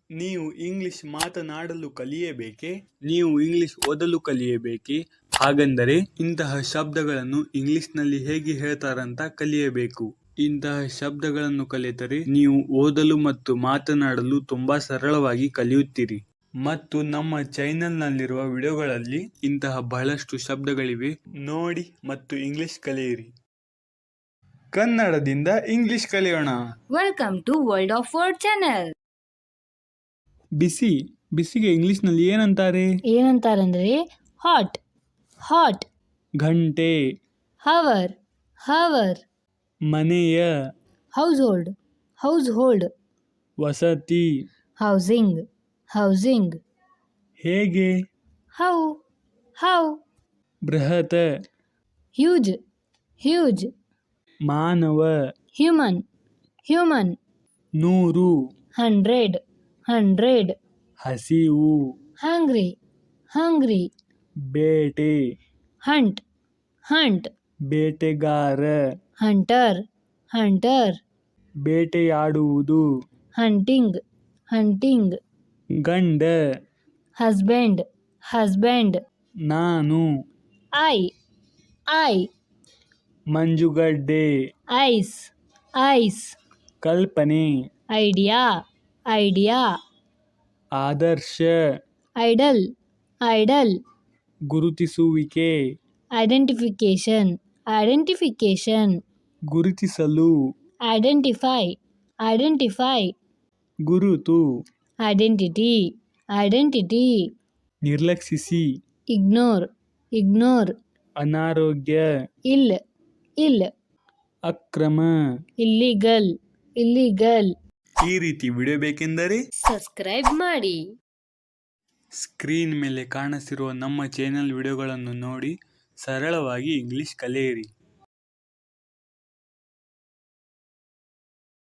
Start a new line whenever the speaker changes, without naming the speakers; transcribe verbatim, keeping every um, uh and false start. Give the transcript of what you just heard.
ನೀವು ಇಂಗ್ಲಿಷ್ ಮಾತನಾಡಲು ಕಲಿಯಬೇಕೇ? ನೀವು ಇಂಗ್ಲಿಷ್ ಓದಲು ಕಲಿಯಬೇಕೇ? ಹಾಗಂದರೆ ಇಂತಹ ಶಬ್ದಗಳನ್ನು ಇಂಗ್ಲಿಷ್ನಲ್ಲಿ ಹೇಗೆ ಹೇಳ್ತಾರಂತ ಕಲಿಯಬೇಕು. ಇಂತಹ ಶಬ್ದಗಳನ್ನು ಕಲಿತರೆ ನೀವು ಓದಲು ಮತ್ತು ಮಾತನಾಡಲು ತುಂಬಾ ಸರಳವಾಗಿ ಕಲಿಯುತ್ತೀರಿ. ಮತ್ತು ನಮ್ಮ ಚಾನೆಲ್ನಲ್ಲಿರುವ ವಿಡಿಯೋಗಳಲ್ಲಿ ಇಂತಹ ಬಹಳಷ್ಟು ಶಬ್ದಗಳಿವೆ, ನೋಡಿ ಮತ್ತು ಇಂಗ್ಲಿಷ್ ಕಲಿಯಿರಿ. ಕನ್ನಡದಿಂದ ಇಂಗ್ಲಿಷ್ ಕಲಿಯೋಣ.
Welcome to world of word channel.
ಬಿಸಿ ಬಿಸಿಗೆ ಇಂಗ್ಲಿಷ್ನಲ್ಲಿ ಏನಂತಾರೆ?
ಏನಂತಾರಂದ್ರೆ ಹಾಟ್ ಹಾಟ್.
ಗಂಟೆ
ಹವರ್ ಹವರ್.
ಮನೆಯ
ಹೌಸ್ ಹೋಲ್ಡ್ ಹೌಸ್ ಹೋಲ್ಡ್.
ವಸತಿ
ಹೌಸಿಂಗ್ ಹೌಸಿಂಗ್.
ಹೇಗೆ
ಹೌ ಹೌ.
ಬೃಹತ್
ಹ್ಯೂಜ್ ಹ್ಯೂಜ್.
ಮಾನವ
ಹ್ಯೂಮನ್ ಹ್ಯೂಮನ್.
ನೂರು
ಹಂಡ್ರೆಡ್ ಹಂಡ್ರೆಡ್.
ಹಸಿವು
ಹಂಗ್ರಿ ಹಂಗ್ರಿ.
ಬೇಟೆ
ಹಂಟ್ ಹಂಟ್.
ಬೇಟೆಗಾರ
ಹಂಟರ್ ಹಂಟರ್.
ಬೇಟೆಯಾಡುವುದು
ಹಂಟಿಂಗ್ ಹಂಟಿಂಗ್.
ಗಂಡ
ಹಸ್ಬೆಂಡ್ ಹಸ್ಬೆಂಡ್.
ನಾನು
ಐ ಐ.
ಮಂಜುಗಡ್ಡೆ
ಐಸ್ ಐಸ್.
ಕಲ್ಪನೆ
ಐಡಿಯಾ ಐಡಿಯಾ.
ಆದರ್ಶ
ಐಡಲ್ ಐಡಲ್.
ಗುರುತಿಸುವಿಕೆ
ಐಡೆಂಟಿಫಿಕೇಶನ್ ಐಡೆಂಟಿಫಿಕೇಶನ್.
ಗುರುತಿಸಲು
ಐಡೆಂಟಿಫೈ ಐಡೆಂಟಿಫೈ.
ಗುರುತು
ಐಡೆಂಟಿಟಿ ಐಡೆಂಟಿಟಿ.
ನಿರ್ಲಕ್ಷಿಸಿ
ಇಗ್ನೋರ್ ಇಗ್ನೋರ್.
ಅನಾರೋಗ್ಯ
ಇಲ್ ಇಲ್.
ಅಕ್ರಮ
ಇಲ್ಲಿಗಲ್ ಇಲ್ಲಿಗಲ್.
ಈ ರೀತಿ ವಿಡಿಯೋ ಬೇಕೆಂದರೆ
ಸಬ್ಸ್ಕ್ರೈಬ್ ಮಾಡಿ.
ಸ್ಕ್ರೀನ್ ಮೇಲೆ ಕಾಣಿಸಿರುವ ನಮ್ಮ ಚಾನೆಲ್ ವಿಡಿಯೋಗಳನ್ನು ನೋಡಿ ಸರಳವಾಗಿ ಇಂಗ್ಲಿಷ್ ಕಲಿಯಿರಿ.